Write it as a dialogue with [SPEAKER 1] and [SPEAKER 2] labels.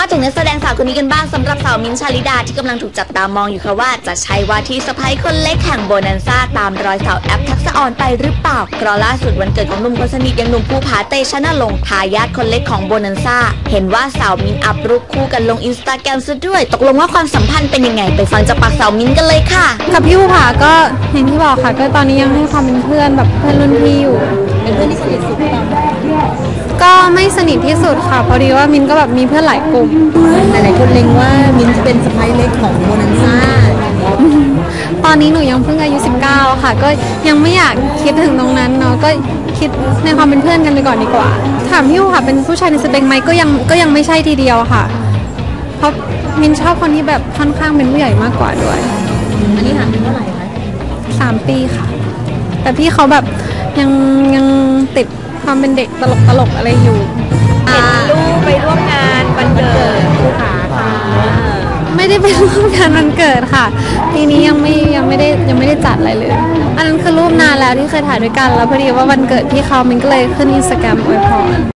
[SPEAKER 1] ถึงนักแสดงสาวคนนี้กันบ้างสำหรับสาวมิ้นท์ชาลิดาที่กำลังถูกจับตามองอยู่ค่ะว่าจะใช่ว่าที่สะใภ้คนเล็กแห่งโบนันซ่าตามรอยสาวแอปทักษะออนไปหรือเปล่าเพราะล่าสุดวันเกิดของหนุ่มคนสนิทอย่างหนุ่มภูผาเตชะนรงค์ทายาทคนเล็กของโบนันซ่าเห็นว่าสาวมิ้นท์อัพรูปคู่กันลงอินสตาแกรมซะด้วยตกลงว่าความสัมพันธ์เป็นยังไงไปฟังจากปากสาวมิ้นท์กันเลยค่ะ
[SPEAKER 2] กับพี่ภูผาก็อย่างที่บอกค่ะก็ตอนนี้ยังให้ความเป็นเพื่อนแบบเพื่อนรุ่นพี่อยู่
[SPEAKER 1] เป็นเพื่อนที่สนิทสุด
[SPEAKER 2] ก็ไม่สนิทที่สุดค่ะพอดีว่ามินก็แบบมีเพื่อนหลายกลุ่ม
[SPEAKER 1] หลายๆคนเล็งว่ามิ้นจะเป็นสะใภ้เล็กของโบนันซ่า
[SPEAKER 2] ตอนนี้หนูยังเพิ่งอายุ19ค่ะก็ยังไม่อยากคิดถึงตรงนั้นเนาะก็คิดในความเป็นเพื่อนกันไปก่อนดีกว่าถามพี่ภูผาเป็นผู้ชายในสเปคไหมก็ยังไม่ใช่ทีเดียวค่ะเพราะมินชอบคนที่แบบค่อนข้างเป็นผู้ใหญ่มากกว่าด้วย
[SPEAKER 1] อันนี้ห่างกันเท่าไหร่คะ
[SPEAKER 2] 3 ปีค่ะแต่พี่เขาแบบยังติดความเป็นเด็กตลกอะไรอยู่
[SPEAKER 1] เห็นลูกไปร่วมงานวันเกิดภูผาค่ะ
[SPEAKER 2] ไม่ได้ไปร่วมงานวันเกิดค่ะปีนี้ยังไม่ได้จัดอะไรเลยอันนั้นคือรูปนานแล้วที่เคยถ่ายด้วยกันแล้วพอดีว่าวันเกิดพี่เขามันก็เลยขึ้น Instagram อวยพร